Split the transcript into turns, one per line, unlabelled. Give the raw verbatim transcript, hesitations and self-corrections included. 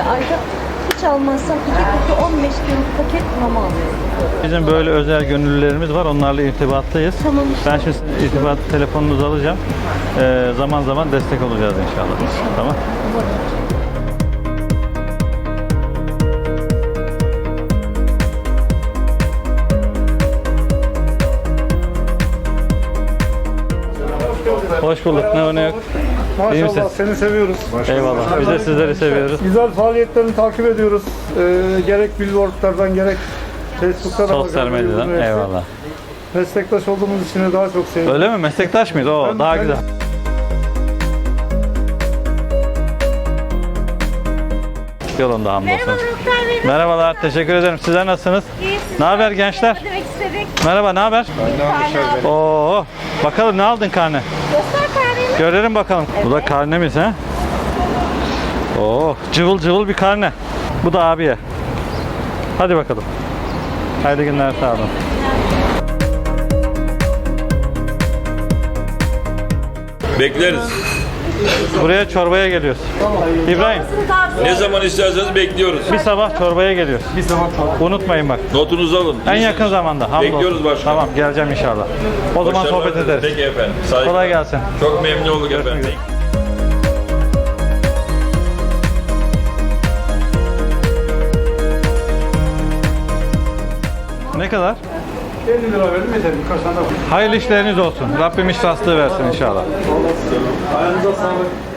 ayda hiç almazsam iki kutu on beş kiloluk paket mama alıyorum.
Bizim böyle özel gönüllülerimiz var. Onlarla irtibattayız.
Tamam.
Ben şimdi sizin irtibat telefonunuzu alacağım. Ee, zaman zaman destek olacağız inşallah.
İnşallah.
Tamam. Hoş bulduk. Ne var ne yok? İyi misin?
Maşallah seni seviyoruz.
Eyvallah. Biz de sizleri seviyoruz.
Güzel faaliyetlerini takip ediyoruz. Ee, gerek billboardlardan gerek Facebook'ta da
Sosyal
bakıyoruz.
medyadan.
Evet.
Eyvallah.
Meslektaş olduğumuz için de daha çok sevindim.
Öyle mi? Meslektaş mıyız? Oo,
Ben-
daha
ben-
güzel. Yolunda hamdolsun.
Merhaba Muhtar Bey.
Merhabalar. Teşekkür ederim. Sizler nasılsınız?
İyi,
Ne haber gençler?
Ne demek istedik?
Merhaba, ne haber? Oo, bakalım ne aldın karne?
Göster karneni.
Görelim bakalım. Bu da karnemiz ha? Oo, cıvıl cıvıl bir karne. Bu da abiye. Hadi bakalım. Hayırlı günler, sağ olun.
Bekleriz.
Buraya çorbaya geliyoruz. İbrahim,
Ne zaman isterseniz bekliyoruz.
bir sabah çorbaya geliyoruz. Bir sabah çorba. Unutmayın bak.
Notunuzu alın.
En yakın zamanda. hamdolsun.
Bekliyoruz başkanım.
Tamam, geleceğim inşallah. O zaman
Başarılar
sohbet
dileriz.
ederiz.
Peki efendim. Saygılar.
Kolay gelsin.
Çok memnun olduk efendim.
Ne kadar?
elli lira verdim yeter. Birkaç tane daha.
Hayırlı işleriniz olsun. Rabbim iş rastlığı versin inşallah.
Ayağınıza sağlık.